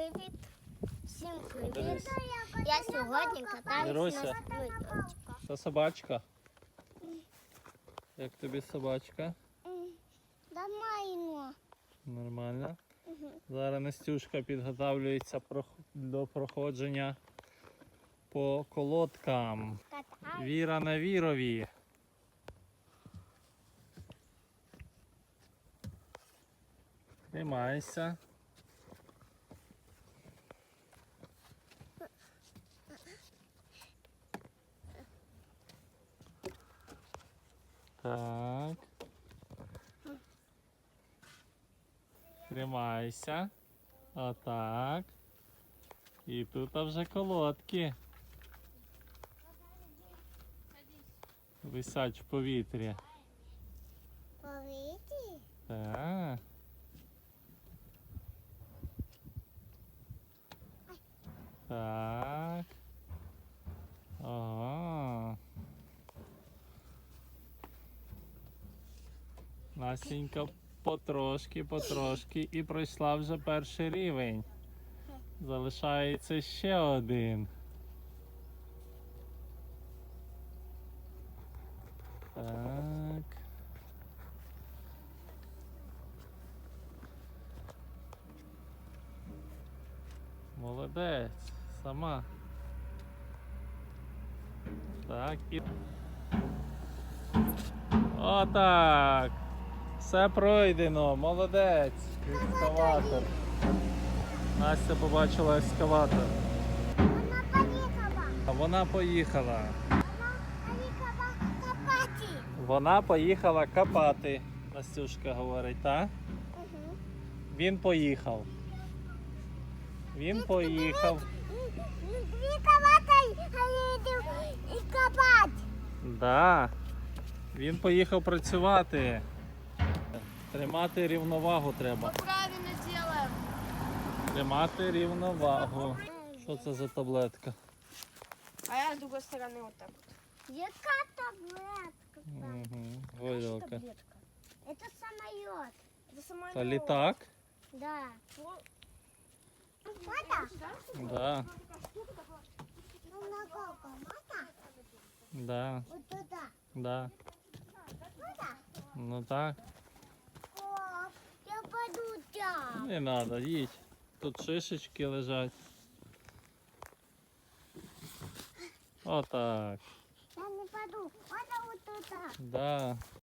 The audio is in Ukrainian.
Привіт! Всім привіт! Я сьогодні катаюсь Іруся. на снігочку. Це собачка. Як тобі собачка? Нормально. Нормально. Зараз Настюшка підготовлюється до проходження по колодкам. Катаюсь. Віра на вірові. Тримайся. Так. Тримайся. Отак. І тут вже колодки. Висять в повітрі. Повітрі? Так. Так. Ага. Насінька потрошки і пройшла вже перший рівень. Залишається ще один. Так. Молодець. Сама. Так і... Отак. Все пройдено. Молодець. Ескаватор. Настя побачила ескаватор. Вона поїхала. А вона поїхала. Вона поїхала копати. Вона поїхала копати. Настюшка говорить, так? Угу. Він поїхав. Він поїхав. Дві копати їдуть і копати. Да. Він поїхав працювати. Тримати рівновагу треба. Правильно делаем. Тримати рівновагу. Що це за таблетка? А я с другой стороны вот так вот. Яка таблетка? Угу. Горілка. Таблетка. Это самолет. Это самолет. Та літак? Да. Вот. Мата? Да. Ну, на сколько? Мата? Да. Вот туда. Да. Мата? Ну так. О, я пойду там. Не треба, їдь. Тут шишечки лежать. Отак. Я не пойду. Можно вот туда. Да.